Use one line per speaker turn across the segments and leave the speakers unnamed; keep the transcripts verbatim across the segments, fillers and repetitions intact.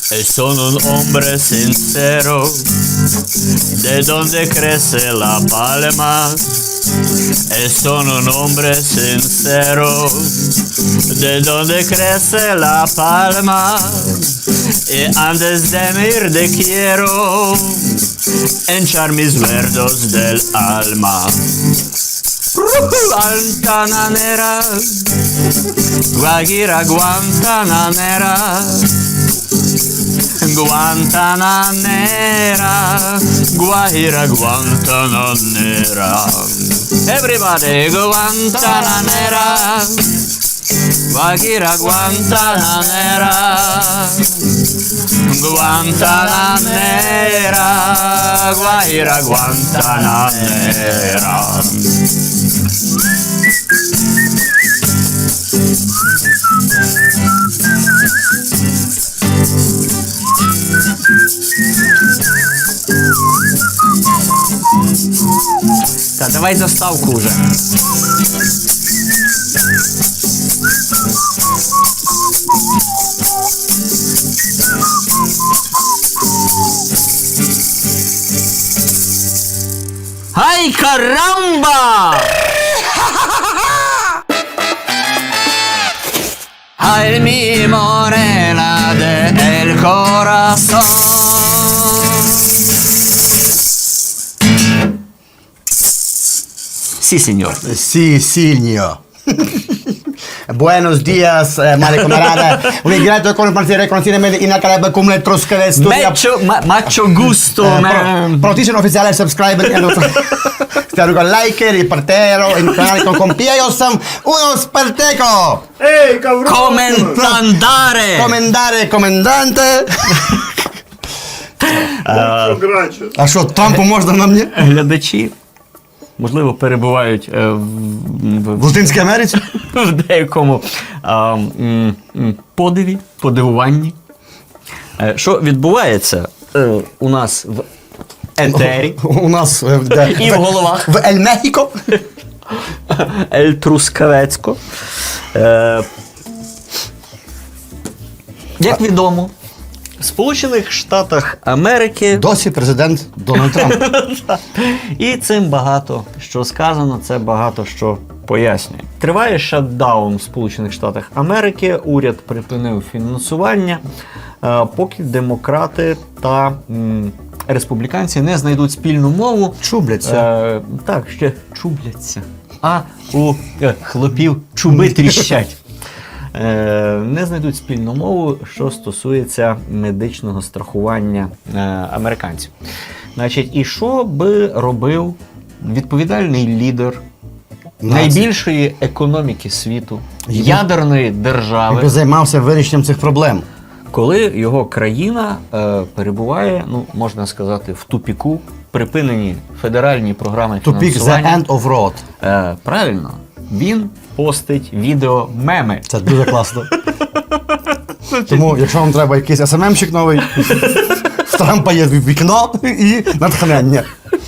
E sono un hombre sincero, de donde crece la palma. E sono un hombre sincero, de donde crece la palma. Y antes de me ir te quiero hinchar mis verdos del alma. Guantanamera, Guajira Guantanamera, Guantanamera, Guajira Guantanamera. Everybody, Guantanamera, Guajira Guantanamera, Guantanamera, Guajira Guantanamera. Та давай заставку уже. Ай, карамба! Ay, mi morena del corazón. Sí, señor.
Sì, signor. Buenos días, eh, male camarada. Un ingrato con partire riconosciuto in Alcalab come le trosche del studio.
Macho, ma, macho gusto,
Eh,
man.
Protition ufficiale subscribe e lo stiamo con like, ripartero, in canale con compia, io sono uno sparteco.
Ей, каврон!
Коментандare.
Комендare, комендante.
Що граче?
А що, Трампу можна на мені?
Глядачі, можливо, перебувають е, в, в,
В Латинській Америці?
в деякому а, м, м, подиві, подивуванні. Е, Що відбувається е, у нас в етері
У нас е, де?
і в головах
В Ель Мехіко.
Ель Трускавецько. Е, Як відомо, в Сполучених Штатах Америки
Досі президент Дональд Трамп.
і цим багато що сказано, це багато що пояснює. Триває шатдаун в Сполучених Штатах Америки, уряд припинив фінансування, е, поки демократи та м, республіканці не знайдуть спільну мову.
Чубляться.
Е, так, ще чубляться. А у е, хлопів чуби тріщать. Е, не знайдуть спільну мову, що стосується медичного страхування е, американців. Значить, і що би робив відповідальний лідер найбільшої економіки світу, ядерної держави,
Якби займався вирішенням цих проблем.
коли його країна е, перебуває, ну можна сказати, в тупіку, припинені федеральні програми
Тупік the
фінансування.
end of road.
Е, правильно, він постить відео меми.
Це дуже класно. Тому, якщо вам треба якийсь ес ем ем-щик новий, в Трампа є вікно і натхнення.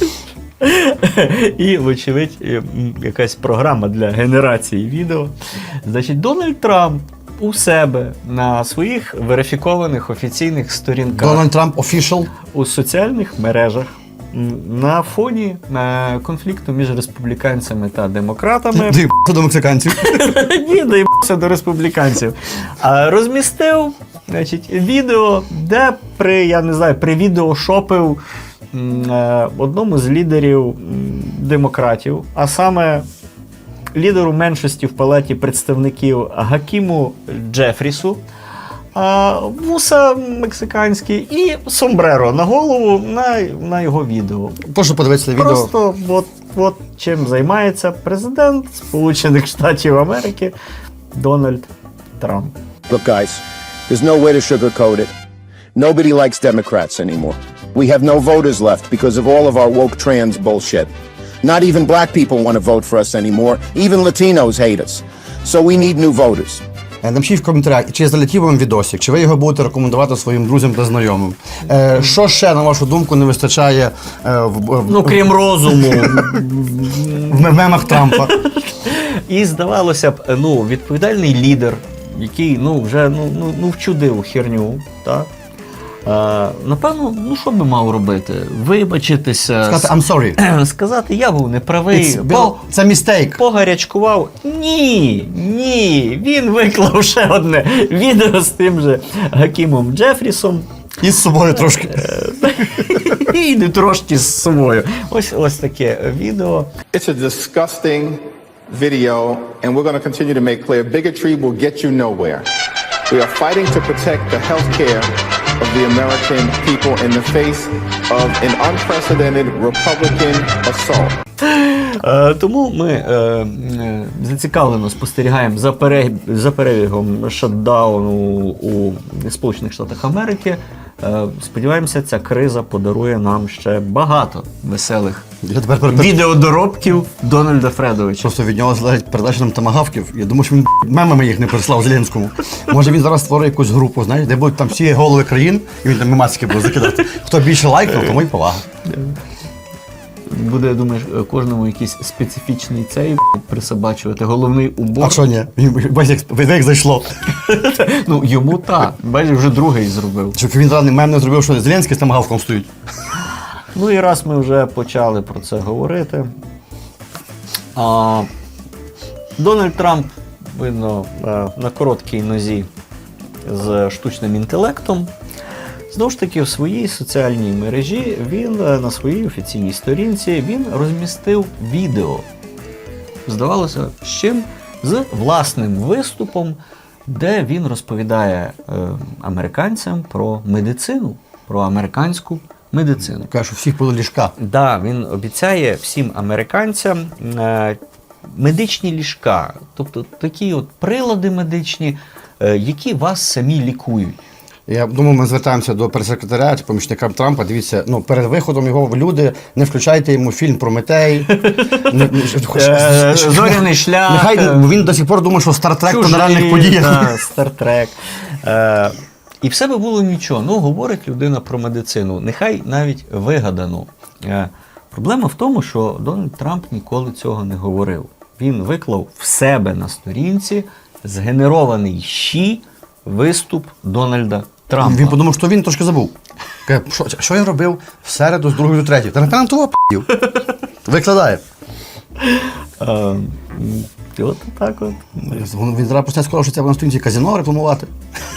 І, вочевидь, м, якась програма для генерації відео. Значить, Дональд Трамп у себе на своїх верифікованих офіційних сторінках
Дональд Трамп official.
у соціальних мережах м, на фоні е, конфлікту між республіканцями та демократами.
Дивіться до мексиканців.
Ні, доїбався до республіканців. А розмістив, значить, відео, де при, я не знаю, при відеошопив м, е, одному з лідерів м, демократів, а саме лідеру меншості в палаті представників Гакіму Джефрісу, а, вуса мексиканські і сомбреро на голову на, на його відео.
Прошу подивитися відео.
Просто от, от чим займається президент Сполучених Штатів Америки Дональд Трамп.
Look, guys, there's no way to sugarcoat it. Nobody likes Democrats anymore. We have no voters left because of all of our woke trans bullshit. Not even black people want to vote for us anymore. Even Latinos hate us. So we need new voters.
Напишіть в коментарях, чи залетів вам відосик, чи ви його будете рекомендувати своїм друзям та знайомим. Е, що ще, на вашу думку, не вистачає е, в, в,
Ну, крім розуму.
в мемах Трампа?
І здавалося б, ну, відповідальний лідер, який ну, вже ну, ну, ну, вчудив херню, так? Е, напевно, ну що би мав робити? Вибачитися,
Сказати I'm sorry.
сказати, я був неправий,
It's-
по,
Це містейк.
погарячкував. Ні, ні, він виклав ще одне відео з тим же Гакімом Джефрісом.
І з собою трошки.
І не трошки з собою. Ось, ось таке відео.
It's a disgusting video, and we're going to continue to make clear bigotry will get you nowhere. We are fighting to protect the health care of the American people in the face of an unprecedented Republican assault.
Е, тому ми е, е, зацікавлено спостерігаємо за, перег... за перебігом шатдауну у Сполучених Штатах Америки. Е, сподіваємося, ця криза подарує нам ще багато веселих
Я тепер перед-
відеодоробків Дональда Фредовича.
Просто від нього залежить передача нам тамагавків. Я думаю, що він мемами їх не прислав Зеленському. Може він зараз створить якусь групу, знаєш, де будуть там всі голови країн, і він там мемасики буде закидати. Хто більше лайкнув, тому й повага.
Буде, думаєш, кожному якийсь специфічний цей присобачувати, головний убор.
А що ні? Бачиш, як, ви- як зайшло.
Ну, йому так. Бачиш, вже другий зробив.
Щоб він радний мем не зробив, що Зеленський з тамагавком стоїть.
Ну і раз ми вже почали про це говорити. А, Дональд Трамп, видно, е, на короткій нозі з штучним інтелектом. Знову ж таки, в своїй соціальній мережі він е, на своїй офіційній сторінці він розмістив відео. Здавалося, з чим? З власним виступом, де він розповідає е, американцям про медицину, про американську медицину.
Каже, що всіх було ліжка.
Да, він обіцяє всім американцям е, медичні ліжка, тобто такі от прилади медичні, е, які вас самі лікують.
Я думаю, ми звертаємося до прес-секретаря чи помічника Трампа. Дивіться, ну перед виходом його в люди не включайте йому фільм Прометей. Не- не-
Е, Зоряний шлях.
Нехай
е,
він до сих пор думає, що Стартрек то на
Чужі,
реальних подіях.
да, Стартрек. Е, і все би було нічого. Ну, говорить людина про медицину. Нехай навіть вигадано. Е, проблема в тому, що Дональд Трамп ніколи цього не говорив. Він виклав в себе на сторінці згенерований щі виступ Дональда Трампа.
Він подумав, що він трошки забув. Каже, що, що я робив в середу з другої до третьої? Та напевно того п***ів. Викладає.
Е, м, і от так от.
Він зараз почне скоро, що це на сторінці казино рекламувати.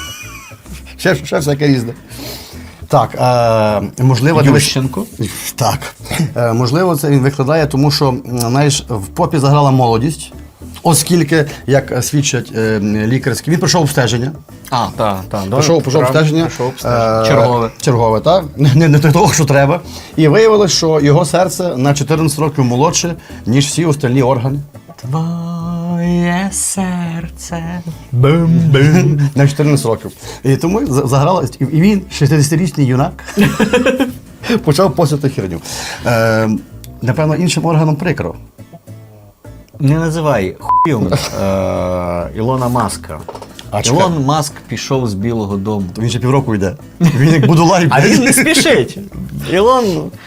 ще, ще всяке різне. Так, е, можливо, дивись-
Ющенко.
Так. Е, можливо, це він викладає, тому що, м, знаєш, в попі заграла молодість, оскільки, як свідчать е, лікарські, він пройшов обстеження.
А, так, так.
Пішов, пішов обстеження.
Пішов обстеження.
е,
Чергове.
Чергове, так. Не, не, не того, що треба. І виявилось, що його серце на чотирнадцять років молодше, ніж всі остальні органи.
Твоє серце.
На чотирнадцять років. І тому за- заграла. І він, шістдесятирічний юнак, почав постити херню. Е, напевно, іншим органом прикро.
Не називай хуйом е, Ілона Маска.
А чекай.
Ілон Маск пішов з Білого дому.
То він ще півроку йде. Він як Будулай.
А він не спішить. Ілон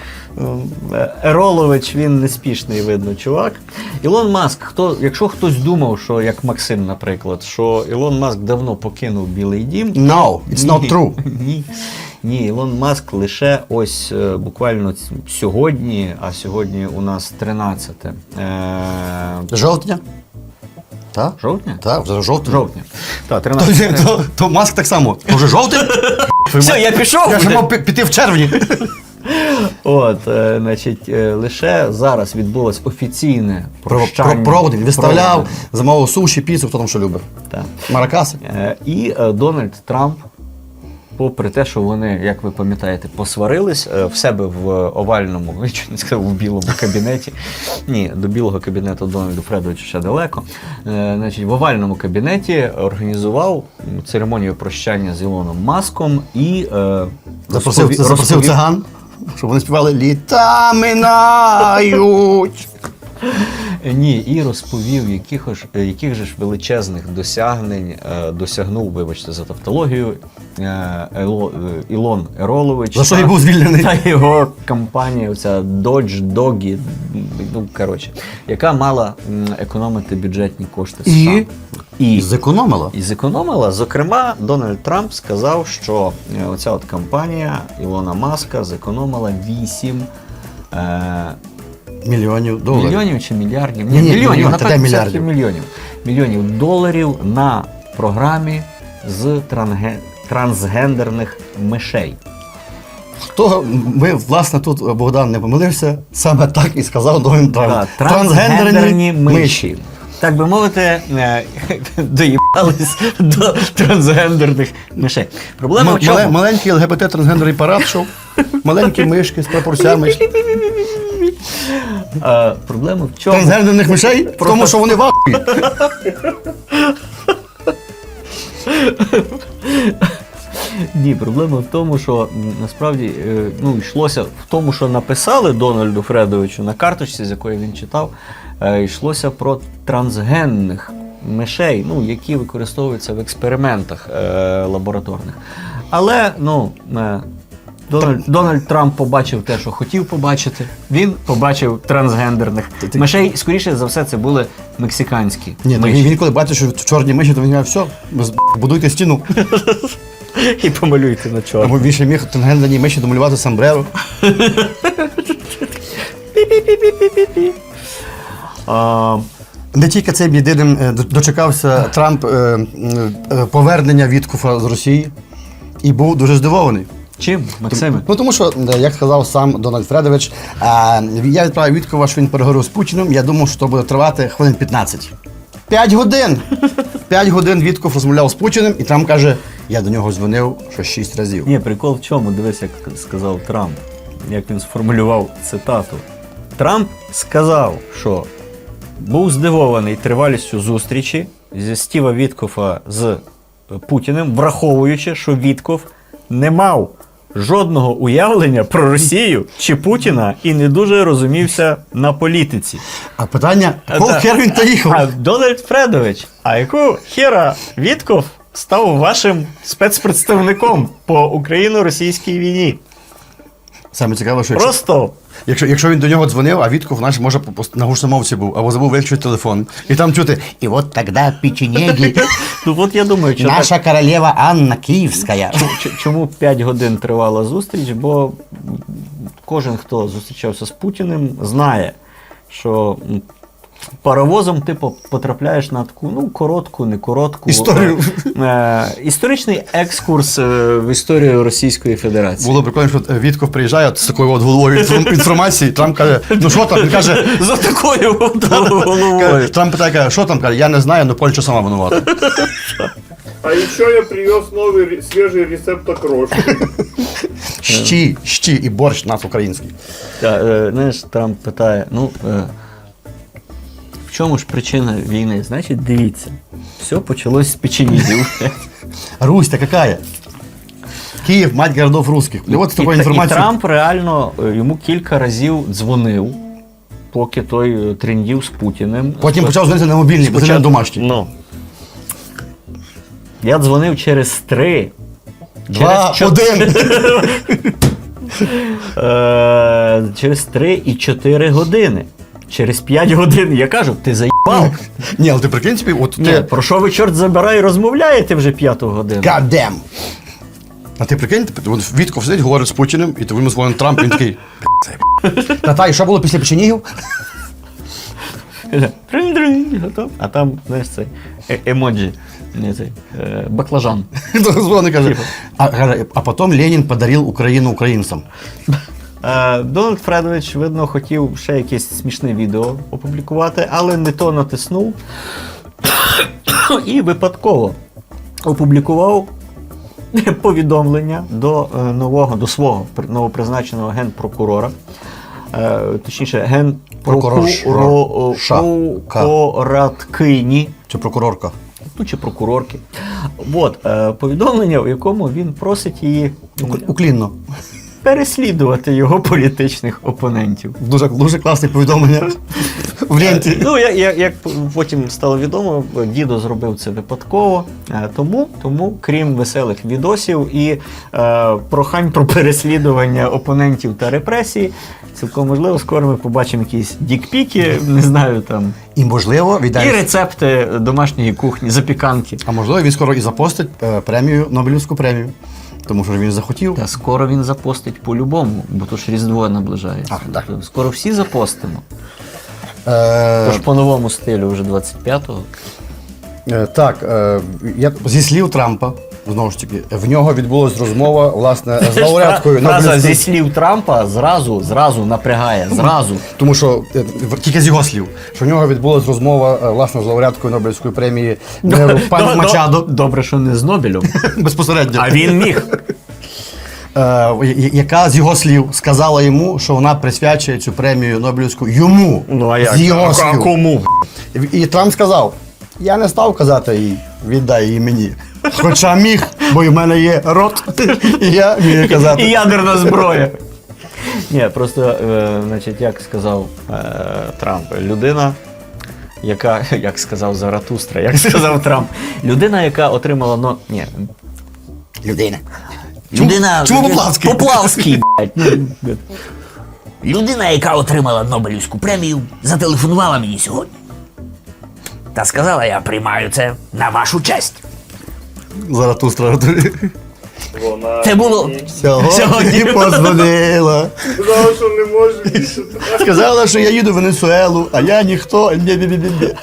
е, Еролович, він неспішний, видно, чувак. Ілон Маск, хто, якщо хтось думав, що як Максим, наприклад, що Ілон Маск давно покинув Білий дім.
No, it's not
Ні.
true.
Ні. Ні, Ілон Маск лише ось е, буквально ц- сьогодні, а сьогодні у нас тринадцяте е,
Жовтня? Так?
жовтня?
Так, вже жовтня.
Жовтня. Так,
То,
тринадцяте.
то, то Маск так само. То вже жовтий?
Все, я пішов.
Я ж
вже.
мав пі- піти в червні.
От, е, значить, е, лише зараз відбулось офіційне
Про,
прощання.
про, проводи. Він виставляв,
Проводи.
замовив суші, піцу, хто там що любить.
Так.
Маракаси.
Е, І е, Дональд Трамп, попри те, що вони, як ви пам'ятаєте, посварились е, в себе в овальному, я чуть не сказав, в білому кабінеті. Ні, до білого кабінету Дональду Фредовичу ще далеко. Е, Значить, в овальному кабінеті організував церемонію прощання з Ілоном Маском і е,
Запросив,
розпові-
запросив
розповів-
циган, щоб вони співали літа минають.
Ні, і розповів, яких ж, яких же ж величезних досягнень е, досягнув, вибачте за тавтологію, е, Ело, е, Ілон Еролович.
За що і був звільнений.
Та його компанія, оця Dodge, Doggy, ну, коротше, яка мала м, економити бюджетні кошти США.
І?
І
Зекономила.
І зекономила. Зокрема, Дональд Трамп сказав, що е, оця от компанія Ілона Маска зекономила вісім е,
Мільйонів доларів.
мільйонів чи мільярдів?
Ні, ні,
мільйонів,
мільйон,
напевно,
та де
все-таки
мільярдів?
мільйонів. Мільйонів доларів на програмі з транге- трансгендерних мишей.
Хто ми, власне, тут Богдан не помилився, саме так і сказав Дональд Трамп.
Так, трансгендерні миші. Так би мовити, е, доїбались до трансгендерних мишей. Проблема
М-
в чому?
мале- маленький ЛГБТ трансгендерний парад шов, маленькі мишки з прапорцями.
Е, проблема в чому?
Трансгендерних мишей? В тому, що вони вахують.
Ні, проблема в тому, що м, насправді е, ну, йшлося в тому, що написали Дональду Фредовичу на карточці, з якої він читав, е, йшлося про трансгенних мишей, ну, які використовуються в експериментах е, лабораторних. Але ну, е, Дональд, Дональд Трамп побачив те, що хотів побачити. Він побачив трансгендерних мишей. Скоріше за все, це були мексиканські
Ні, то
миші.
він, він коли бачить, що чорні миші, то він каже, все, ви з- будуйте стіну.
І помалюйте на чорно.
Або він ще міг трансгендерні миші домалювати сомбреро.
А,
Не тільки цим єдиним е, до- дочекався Трамп е, е, повернення Віткофа з Росії і був дуже здивований.
чим, Максиме?
Ну тому що, е, як сказав сам Дональд Фредович, е, я відправив Віткова, що він переговорив з Путіним, я думав, що це буде тривати хвилин п'ятнадцять. П'ять годин! П'ять годин Вітков розмовляв з Путіним, і Трамп каже, я до нього дзвонив що шість разів.
Ні, прикол в чому? Дивись, як сказав Трамп, як він сформулював цитату. Трамп сказав, що був здивований тривалістю зустрічі зі Стіва Віткофа з Путіним, враховуючи, що Вітков не мав жодного уявлення про Росію чи Путіна і не дуже розумівся на політиці.
А питання,
А,
кого
да.
хер він та їхав?
А Дональд Фредович, а яку хера Вітков став вашим спецпредставником по україно-російській війні?
Саме цікаво, що якщо,
Просто
якщо, якщо він до нього дзвонив, а Вітков, наш, може, по- на гучномовці був, або забув виключити телефон. І там чути, і от тоді печенеги,
ну от я думаю, що
наша королева Анна Київська.
Ч- Чому п'ять годин тривала зустріч? Бо кожен, хто зустрічався з Путіним, знає, що м, паровозом ти по- потрапляєш на таку, ну, коротку, не коротку
Історію.
е, е, історичний екскурс е, в історію Російської Федерації.
Було прикольно, що Вітков приїжджає от з такою от головою інформ- інформації, Трамп каже, ну що там? Він каже,
За такою от головою.
каже, Трамп питає, каже, що там? Каже, я не знаю, але Польща сама винувата.
А еще я привез новый ре- свежий рецепт окрошки.
Щі, щі і борщ наш український.
Та, е, знаєш, Трамп питає, ну, е, в чому ж причина війни? Значить, дивіться, все почалось з печенізів.
Русь-то какая? Київ, мать городов русских. І от з
І,
такою
і
інформацією.
Трамп реально е, йому кілька разів дзвонив, поки той е, трендів з Путіним.
Потім почав дзвонити на мобільний, бо це не домашній.
Ну. Я дзвонив через три.
Два,
через чот-
один.
Е, через три і чотири години. Через п'ять годин я кажу, ти заїбав.
Ні, але ти прикинь собі, от
Ні,
ти...
про що ви, чорт забирай, розмовляєте вже п'яту годину?
God damn. А ти прикинь, ти- от Вітков сидить, говорить з Путіним, і то йому дзвонить Трамп, і він такий. Та-та, і що було після печенігів?
Тринь-тринь, готов. А там, знаєш, цей е- емоджі, не цей, е, баклажан.
Дзвонить, каже. А, каже, а потім Ленін подарив Україну українцям.
Е, Дональд Фредович, видно, хотів ще якесь смішне відео опублікувати, але не то натиснув і випадково опублікував повідомлення до е, нового, до свого при- новопризначеного генпрокурора, е, точніше,
Прокурорша.
генпрокураткині,
Чи прокурорка?
ну чи прокурорки. От, е, повідомлення, в якому він просить її
Уклінно.
переслідувати його політичних опонентів.
Дуже, дуже класне повідомлення. в ленті.
Ну, як, як, як потім стало відомо, дідо зробив це випадково. Е, Тому, тому крім веселих відосів і е, прохань про переслідування опонентів та репресії, цілком можливо, скоро ми побачимо якісь дікпіки, не знаю, там,
І можливо,
і
віддай.
рецепти домашньої кухні, запіканки.
А можливо, він скоро і запостить е, премію, Нобелівську премію. Тому що він захотів.
Та скоро він запостить по-любому, бо то ж Різдво наближається.
А, так.
Скоро всі запостимо.
Е,
Тож по новому стилю вже двадцять п'ятого.
е, так, е, я, зі слів Трампа, знову ж таки, в нього відбулась розмова, власне, з лауреаткою
Фраза зі
Нобелівської.
слів Трампа зразу, зразу напрягає, зразу.
Тому що е, в- тільки з його слів, що в нього відбулась розмова е, власне з лауреаткою Нобелівської премії миру пані
До-
Мачадо
до- Добре, що не з Нобелем.
безпосередньо.
А він міг.
Е, я- яка з його слів сказала йому, що вона присвячує цю премію Нобелівську йому.
Ну а як?
З його
А
слів.
кому?
І, і Трамп сказав: я не став казати їй, віддай її мені. Хоча міг, бо в мене є рот, і я міг
І
казати.
ядерна зброя. Ні, просто, е, значить, як сказав е, Трамп, людина, яка, як сказав Заратустра, як сказав Трамп, людина, яка отримала, ну, ні,
Людина.
людина...
чому Поплавський?
Поплавський, блядь. Ну,
Людина, яка отримала Нобелівську премію, зателефонувала мені сьогодні. Та сказала, я приймаю це на вашу честь.
Заратустра.
Вона
Це було
мені
Сьогодні подзвонила.
сказала, що не може більше.
Сказала, що я їду в Венесуелу, а я ніхто. Ні-ні-ні-ні.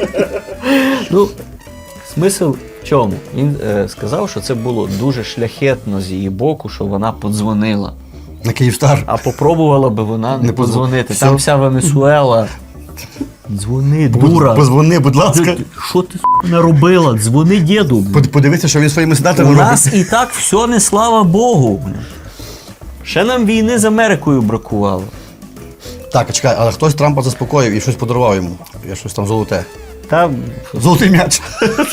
Ну, смисл в чому? Він е, сказав, що це було дуже шляхетно з її боку, що вона подзвонила.
На Київстар.
А попробувала би вона не,
Не подзвон-
подзвонити.
Все.
Там вся Венесуела. Дзвони, дура.
Позвони, будь ласка.
Що ти с**, наробила? Дзвони діду.
Под- Подивися, що він своїми
У
сенаторами робить.
нас і так все не слава Богу. Ще нам війни з Америкою бракувало.
Так, а чекай, але хтось Трампа заспокоїв і щось подарував йому. Я щось там золоте.
Та
Золотий м'яч.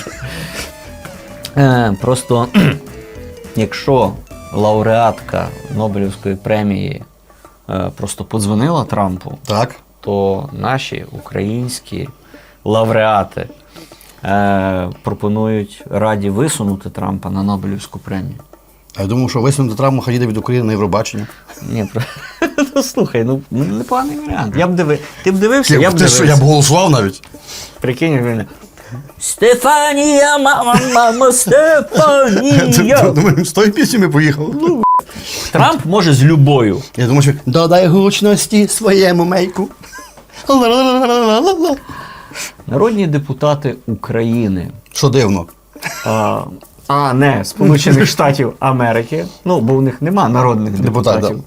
е, просто якщо лауреатка Нобелівської премії е, просто подзвонила Трампу,
Так.
то наші українські лауреати е, пропонують раді висунути Трампа на Нобелівську премію.
А я думав, що висунути Трампа хай їде від України на Євробачення.
Ні, про... ну, слухай, ну ну, непоганий варіант. Я б диви... Ти б дивився, я б
Ти що,
дивився.
я б голосував навіть.
Прикинь, він... Стефанія, мама, мама, Стефанія.
Думаю, з тої пісні ми поїхали.
Трамп може з любою.
Я думаю, що додай гучності своєму мейку. Ла-ла-ла-ла-ла-ла.
Народні депутати України.
Що дивно.
А, а не Сполучених Штатів Америки. Ну, бо в них нема народних
Депутат,
депутатів.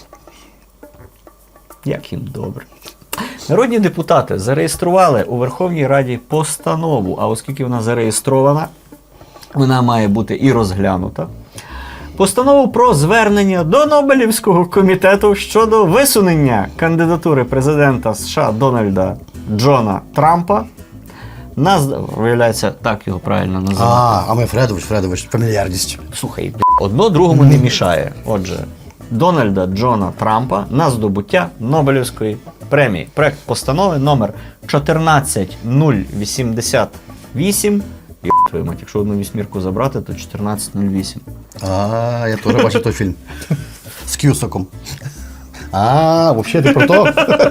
Як їм добре. Народні депутати зареєстрували у Верховній Раді постанову, а оскільки вона зареєстрована, вона має бути і розглянута. Постанову про звернення до Нобелівського комітету щодо висунення кандидатури президента США Дональда Джона Трампа. Нас, виявляється, так його правильно називати.
А, а ми Фредович, Фредович, фамільярність.
Слухай, бля, одно другому не мішає. Отже, Дональда Джона Трампа на здобуття Нобелівської премії. Проект постанови номер чотирнадцять нуль вісімдесят вісім. Йо, твою мать, якщо одну вісьмірку забрати, то чотирнадцять нуль вісім.
А, я теж бачив той фільм. З Кюсаком. А, взагалі ти про то?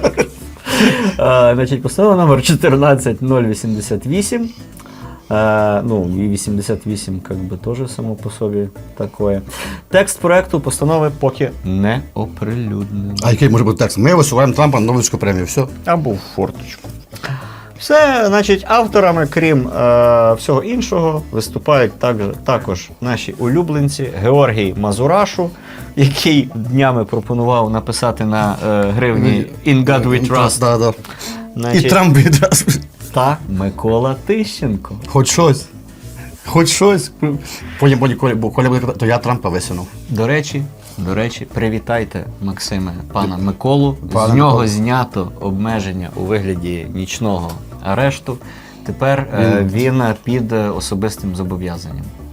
Е, Значить, постанова номер чотирнадцять нуль вісімдесят вісім. Е, ну, і вісімдесят вісім, как би, теж само по собі такое. Текст проекту постанови поки не оприлюднений.
А який може бути текст? Ми висуваємо Трампа на Нобелівську премію. Все.
Або в форточку. Все, значить, авторами, крім е, всього іншого, виступають також, також наші улюбленці Георгій Мазурашу, який днями пропонував написати на е, гривні «In God we trust».
Да, да.
Значить,
І Трамп відразу.
та Микола Тищенко.
Хоч щось. Хоч щось. Потім, потім, Коля, бо Коля буде казати, то я Трампа висунув.
До речі, до речі, привітайте, Максиме, пана Миколу.
Пане
З нього
Миколо.
знято обмеження у вигляді нічного арешту. Тепер е, він під особистим зобов'язанням.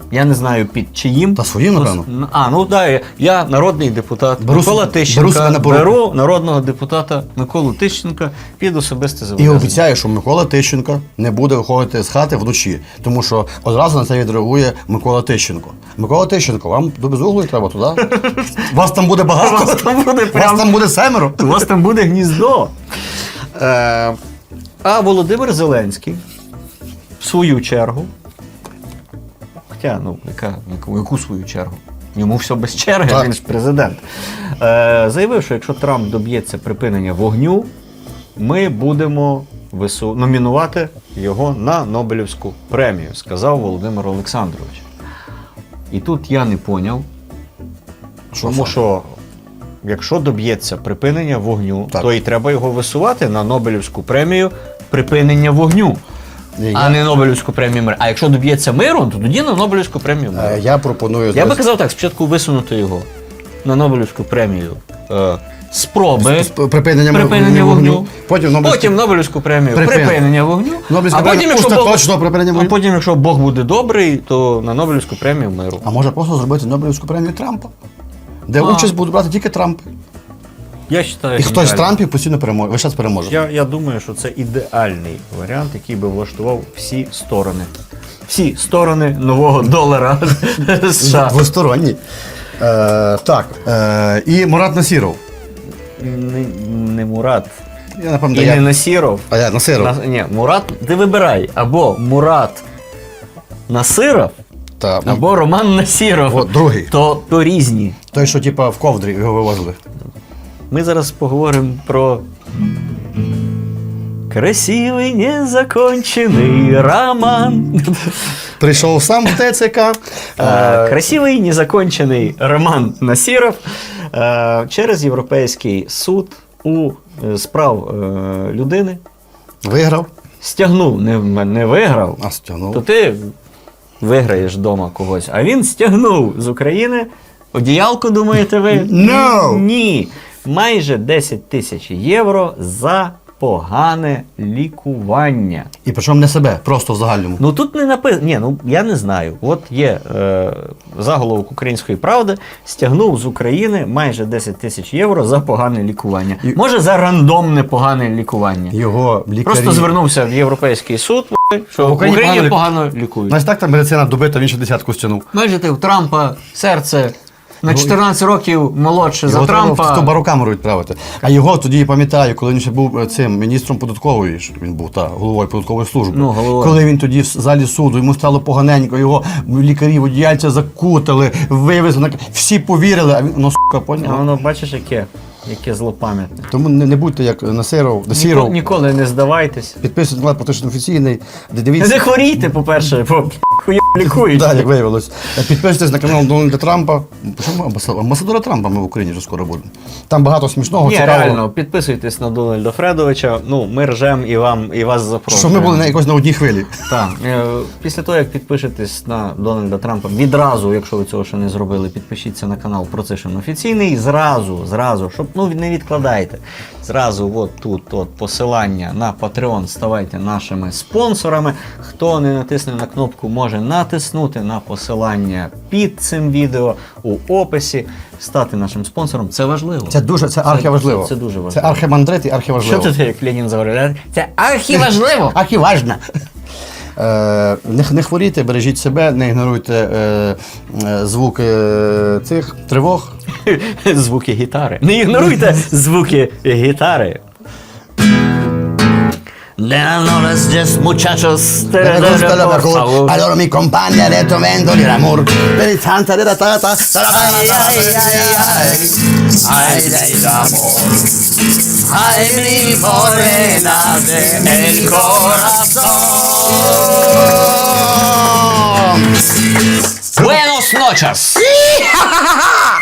Я не знаю під чиїм.
Та своїм, напевно.
Ну, А, ну так, я, я народний депутат
Беру
Микола
с- беру
Тищенка,
себе на поруку.
беру народного депутата Миколу Тищенка під особисте
І
зобов'язання.
обіцяє, що Микола Тищенко не буде виходити з хати вночі, тому що одразу на це відреагує Микола Тищенко. Микола Тищенко, вам до безуглої треба туди? Вас там буде багато?
Вас там буде
Вас
прям-
там буде семеро?
У вас там буде гніздо. Е, а Володимир Зеленський, в свою чергу, хоча, ну, яка, яку, яку свою чергу? Йому все без черги,
Так.
він ж президент. Е, заявив, що якщо Трамп доб'ється припинення вогню, ми будемо вису... номінувати його на Нобелівську премію, сказав Володимир Олександрович. І тут я не поняв, тому що якщо доб'ється припинення вогню,
Так.
то і треба його висувати на Нобелівську премію припинення вогню,
Ні,
а
я-
не Нобелівську премію миру. А якщо доб'ється миру, то тоді на Нобелівську премію миру.
Е, Я пропоную...
Я би казав так, спочатку висунути його на Нобелівську премію е, спроби
З припинення,
припинення вогню,
Потім Нобелівську-
потім Нобелівську премію
Припинення.
припинення вогню,
Нобелівська
а потім,
премія
якщо Бог,
остаточного припинення
а
вогню.
потім, якщо Бог буде добрий, то на Нобелівську премію миру.
А може просто зробити Нобелівську премію Трампа, де
А.
участь будуть брати тільки Трамп.
Я вважаю,
І хтось з Трампів постійно переможе, весь час переможе.
Я, я думаю, що це ідеальний варіант, який би влаштував всі сторони. Всі сторони нового долара США.
Двосторонній. Е, так. Е, і Мурат Насіров.
Не, не Мурат.
Я напевно,
І
я...
не Насіров.
А я Насиров.
На, ні, Мурат, ти вибирай. Або Мурат Насиров,
Та, ну,
або Роман Насіров.
От, другий.
То, то різні.
той, що типа в ковдрі його вивозили.
Ми зараз поговоримо про красивий незакончений роман.
Прийшов сам в ТЦК.
Е,
Е,
Красивий незакончений Роман Насіров е, через Європейський суд у е, справ е, людини
виграв.
стягнув, не, не виграв,
А стягнув.
то ти виграєш вдома когось. А він стягнув з України одіялку, думаєте ви?
No!
Ні. Майже десять тисяч євро за погане лікування.
І причому не себе, просто в загальному.
Ну тут не написано. Ні, ну я не знаю. От є е, заголовок Української правди, стягнув з України майже десять тисяч євро за погане лікування.
І-
Може, за рандомне погане лікування.
Його лікарі...
Просто звернувся в Європейський суд, що в
Україні
Україні
погано лік-
погано лікують.
Знаєш, так там медицина добита, він ще десятку стягнув.
Бачите, у Трампа серце на чотирнадцять років молодше за
Його треба в
Трампа.
ту барокамеру відправити. А його тоді я пам'ятаю, коли він ще був е, цим міністром податкової, ж він був та головою податкової служби.
Ну, головою.
Коли він тоді в залі суду, йому стало поганенько, його лікарі одіяльця закутали, вивезли, на- всі повірили, а він ну сука,
А
поняв.
воно бачиш, яке, яке злопам'ятне.
Тому не, не будьте як Насиров,
Ніко,
Насіров.
ніколи не здавайтесь.
Підписуйтесь на канал Політично офіційний, де дивіться.
Не хворійте, по-перше, бо хуя лікують.
Да, як виявилось. Підписуйтесь на канал Дональда Трампа. Чому амбасадора? Амбасадора Трампа ми в Україні вже скоро будемо. Там багато смішного,
Ні,
цікавого.
реально, підписуйтесь на Дональда Фредовича. Ну, ми ржем і вам і вас запрошуємо.
Щоб ми були на якось на одній хвилі.
Так. Е, Після того, як підпишетесь на Дональда Трампа, відразу, якщо ви цього ще не зробили, підпишіться на канал Процишин офіційний. Зразу, зразу, щоб ну не відкладайте. Зразу, от тут, от посилання на Patreon, ставайте нашими спонсорами. Хто не натисне на кнопку, може натиснути на посилання під цим відео у описі, стати нашим спонсором. Це важливо.
Це дуже, це архіважливо.
це- це дуже важливо.
Це архимандрит і
Що
архіважливо.
тут, як Ленін заговорив? Це архіважливо.
Архіважно. Е, не, не хворійте, бережіть себе, не ігноруйте е, е, звуки е, цих тривог.
Звуки гітари. Не ігноруйте звуки гітари.
Me gusta la mejor. Allora mi compagna ha detto vendoli l'amor. Per il santa della tata.
Ay, del amor. Ay, mi morena del corazón. Buenos noches.